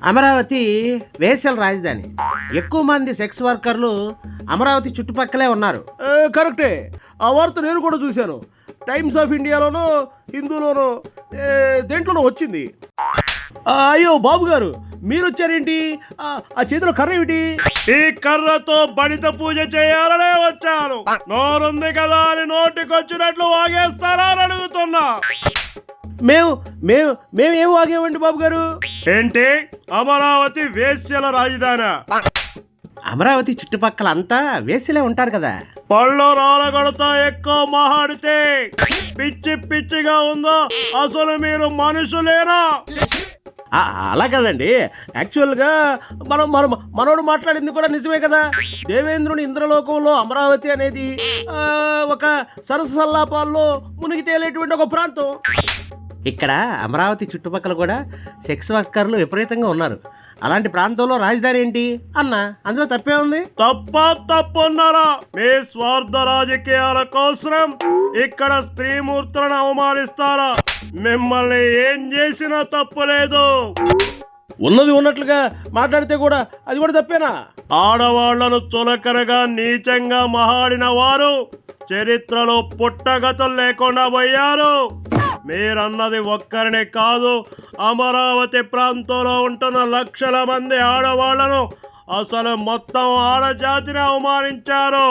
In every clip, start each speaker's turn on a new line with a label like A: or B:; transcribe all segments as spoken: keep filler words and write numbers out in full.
A: అమరావతి వేశ్యల రాజధాని. ఎక్కువ మంది సెక్స్ వర్కర్లు అమరావతి చుట్టుపక్కలే ఉన్నారు.
B: కరెక్టే, ఆ వార్త నేను కూడా చూశాను. టైమ్స్ ఆఫ్ ఇండియాలోనో హిందూలోనో ఏ, దేంట్లోనో వచ్చింది. ఆ, అయ్యో బాబు గారు, మీరు వచ్చారేంటి? ఆ, ఆ చేతిలో కర్ర ఏమిటి?
C: ఈ కర్రతో బడిత పూజ చేయాలనే వచ్చాను. నోరుంది కదా అని నోటికొచ్చినట్లు వాగేస్తారా అని అడుగుతున్నా.
B: మేము మేము మేము ఏం వాగేవండి బాబు గారు?
C: ఏంటి, అమరావతి వేశ్యల రాజధాని?
A: అమరావతి చుట్టుపక్కల అంతా వేశ్యలే ఉంటారు కదా.
C: పళ్ళు రాలగొడతా ఎక్కువ మాట్లాడితే పిచ్చి పిచ్చిగా ఉందో? అసలు మీరు మనుషులేనా?
B: ఆ, అలా కదండి. యాక్చువల్గా మనం మనం మనోడు మాట్లాడింది కూడా నిజమే కదా. దేవేంద్రుని ఇంద్రలోకంలో అమరావతి అనేది ఆ, ఒక సరస్సు సల్లాపాల్లో మునిగి తేలేటువంటి ఒక ప్రాంతం.
A: ఇక్కడ అమరావతి చుట్టుపక్కల కూడా సెక్స్ వర్కర్లు విపరీతంగా ఉన్నారు. అలాంటి ప్రాంతంలో రాజధాని ఏంటి అన్న, అందులో తప్పే ఉంది?
C: తప్ప తప్పున్నారా? మీ స్వార్థ రాజకీయాల కోసం ఇక్కడ స్త్రీమూర్తులను అవమానిస్తారా? మిమ్మల్ని ఏం చేసినా తప్పులేదు.
B: ఉన్నది ఉన్నట్లుగా మాట్లాడితే కూడా అది కూడా తప్పేనా?
C: ఆడవాళ్లను చులకనగా నీచంగా మహాడిన వారు చరిత్రలో పుట్టగతులు లేకుండా పోయారు. మీరన్నది ఒక్కరినే కాదు, అమరావతి ప్రాంతంలో ఉంటున్న లక్షల మంది ఆడవాళ్లను, అసలు మొత్తం ఆడజాతిని అవమానించారు.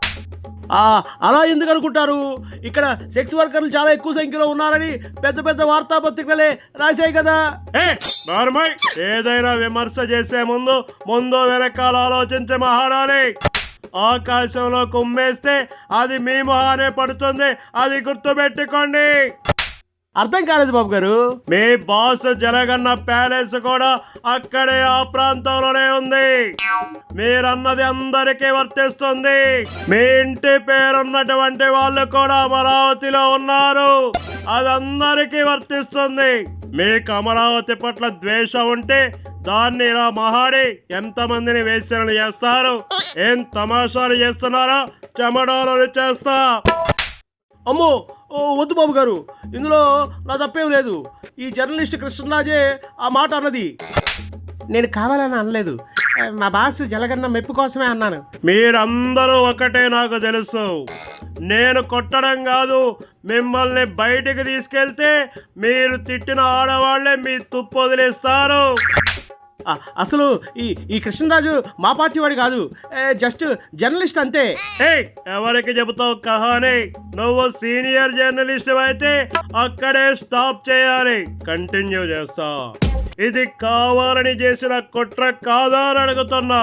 B: ఆ, అలా ఎందుకు అనుకుంటారు? ఇక్కడ సెక్స్ వర్కర్లు చాలా ఎక్కువ సంఖ్యలో ఉన్నారని పెద్ద పెద్ద వార్తాపత్రికలే రాశాయి కదా.
C: ఏ నార్మల్, ఏదైనా విమర్శ చేసే ముందు ముందు వెనకాల ఆలోచించి మహాడాలి. ఆకాశంలో కుమ్మేస్తే అది మీ మొహానే పడుతుంది, అది గుర్తుపెట్టుకోండి.
B: అర్థం కాలేదు బాబు గారు.
C: మీ బాస్ జరగన్న ప్యాలెస్ కూడా అక్కడే ఆ ప్రాంతంలోనే ఉంది. మీరన్నది అందరికీ వర్తిస్తుంది. మీ ఇంటి పేరున్నటువంటి వాళ్ళు కూడా అమరావతిలో ఉన్నారు, అది అందరికీ వర్తిస్తుంది. మీకు అమరావతి పట్ల ద్వేషం ఉంటే దాన్ని ఇలా మహాడి ఎంతమందిని వేశ్యలను చేస్తారు? ఏం తమాషాలు చేస్తున్నారో చెమడాలు చేస్తా.
B: అమ్మో, ఓ వద్దు బాబు గారు, ఇందులో నా తప్పేం లేదు. ఈ జర్నలిస్ట్ కృష్ణరాజే ఆ మాట అన్నది.
A: నేను కావాలని అనలేదు, మా బాసు జలగన్న మెప్పు కోసమే అన్నాను.
C: మీరందరూ ఒకటే నాకు తెలుసు. నేను కొట్టడం కాదు, మిమ్మల్ని బయటికి తీసుకెళ్తే మీరు తిట్టిన ఆడవాళ్లే మీ తుప్పు వదిలేస్తారు.
B: ఆ, అసలు ఈ ఈ కృష్ణరాజు మా పార్టీ వాడు కాదు, ఏ, జస్ట్ జర్నలిస్ట్ అంతే.
C: ఏయ్, ఎవరికి చెబుతావు కహాని? నువ్వు సీనియర్ జర్నలిస్ట్ అయితే అక్కడే స్టాప్ చేయాలి. కంటిన్యూ చేస్తా. ఇది కావాలని చేసిన కుట్ర కాదా అని అడుగుతున్నా.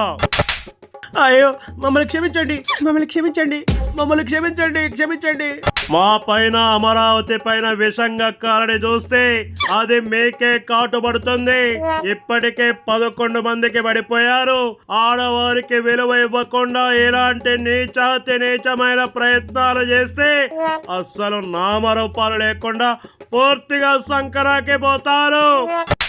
B: అయ్యో, మమ్మల్ని క్షమించండి, మమ్మల్ని క్షమించండి, మమ్మల్ని క్షమించండి, క్షమించండి.
C: మా పైన అమరావతి పైన విషంగా కాలని చూస్తే అది మీకే కాటుపడుతుంది. ఇప్పటికే పదకొండు మందికి పడిపోయారు. ఆడవారికి విలువ ఇవ్వకుండా ఇలాంటి నీచాతి నీచమైన ప్రయత్నాలు చేస్తే అస్సలు నామరూపాలు లేకుండా పూర్తిగా సంకరాకి పోతారు.